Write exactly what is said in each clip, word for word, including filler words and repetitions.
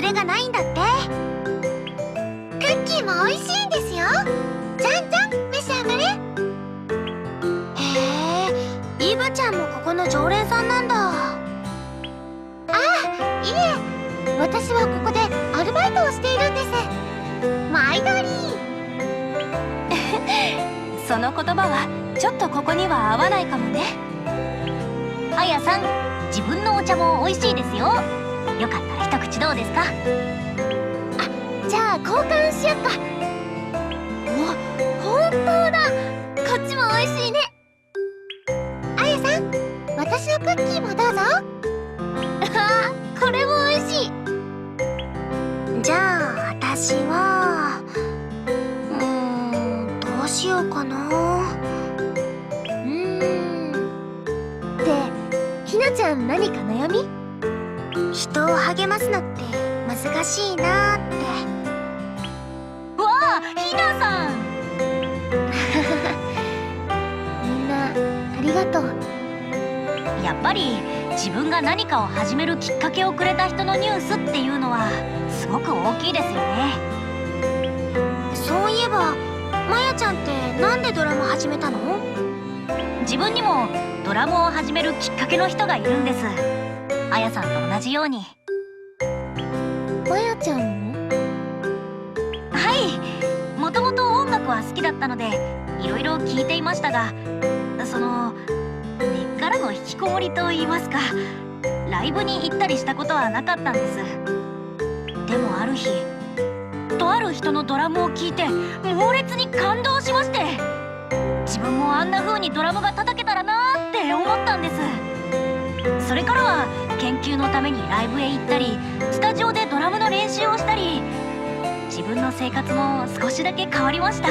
れがないんだって。クッキーも美味しいんですよ。じゃんじゃん召し上がれ。へえ、イブちゃんもここの常連さんなんだ。ああ、いえ、私はここでアルバイトをしているんです。毎度りその言葉はちょっとここには合わないかもね。 あやさん、自分のお茶も美味しいですよ。よかったら一口どうですか？あ、じゃあ交換しよっか。お、本当だ。こっちも美味しいね。あやさん、私のクッキーもどうぞ。あ、これも美味しい。じゃあ私はうーんどうしようかな。うーんで、ひなちゃん何か悩み？人を励ますのって難しいなーって。 わあ、ひなさんみんなありがとう。 やっぱり自分が何かを始めるきっかけをくれた人のニュースっていうのはすごく大きいですよね。 そういえばまやちゃんってなんでドラム始めたの？ 自分にもドラムを始めるきっかけの人がいるんです。あやさんと同じように。 まやちゃんも？ はい、もともと音楽は好きだったのでいろいろ聞いていましたが、その根っからの引きこもりと言いますか、ライブに行ったりしたことはなかったんです。でもある日、とある人のドラムを聴いて猛烈に感動しまして、自分もあんな風にドラムが叩けたらなーって思ったんです。それからは研究のためにライブへ行ったり、スタジオでドラムの練習をしたり、自分の生活も少しだけ変わりました。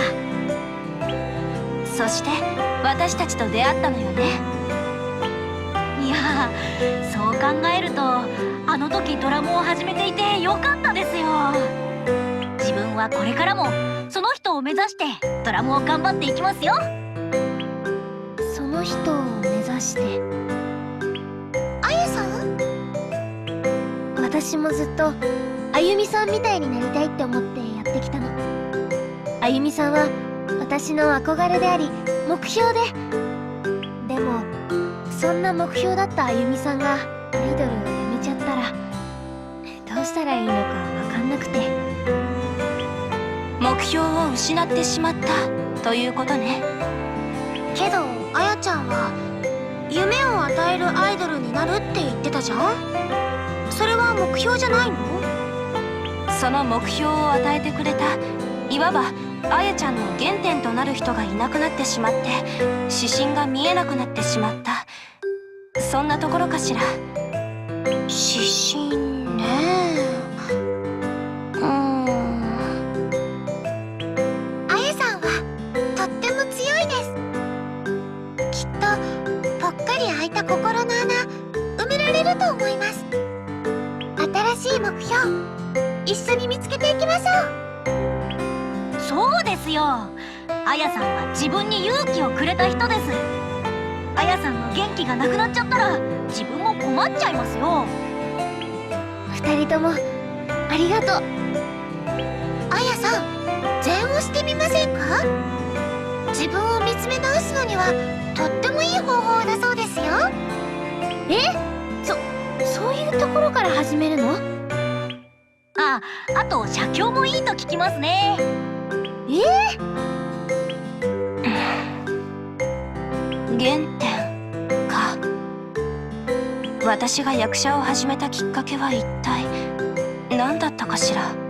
そして私たちと出会ったのよね。いやー、そう考えるとあの時ドラムを始めていてよかったですよ。自分はこれからもその人を目指してドラムを頑張っていきますよ。 その人を目指して。あやさん？私もずっとあゆみさんみたいになりたいって思ってやってきたの。あゆみさんは私の憧れであり目標で、でもそんな目標だったあゆみさんがアイドルをやめちゃったらどうしたらいいのか分かんなくて。 目標を失ってしまったということね。 けどあやちゃんは夢を与えるアイドルになるって言ってたじゃん。それは目標じゃないの？ その目標を与えてくれた、いわばあやちゃんの原点となる人がいなくなってしまって、指針が見えなくなってしまった、そんなところかしら。 指針ねえ。うーん、あやさんはとっても強いです。きっとぽっかり開いた心の穴埋められると思います。新しい目標一緒に見つけていきましょう。そうですよ。あやさんは自分に勇気をくれた人です。あやさんの元気がなくなっちゃったら自分も困っちゃいますよ。 二人ともありがとう。あやさん、禅をしてみませんか？自分を見つめ直すのにはとってもいい方法だそうですよ。え？そ、そういうところから始めるの？ あ、あと写経もいいと聞きますね。 えー、 原点か。私が役者を始めたきっかけは一体何だったかしら。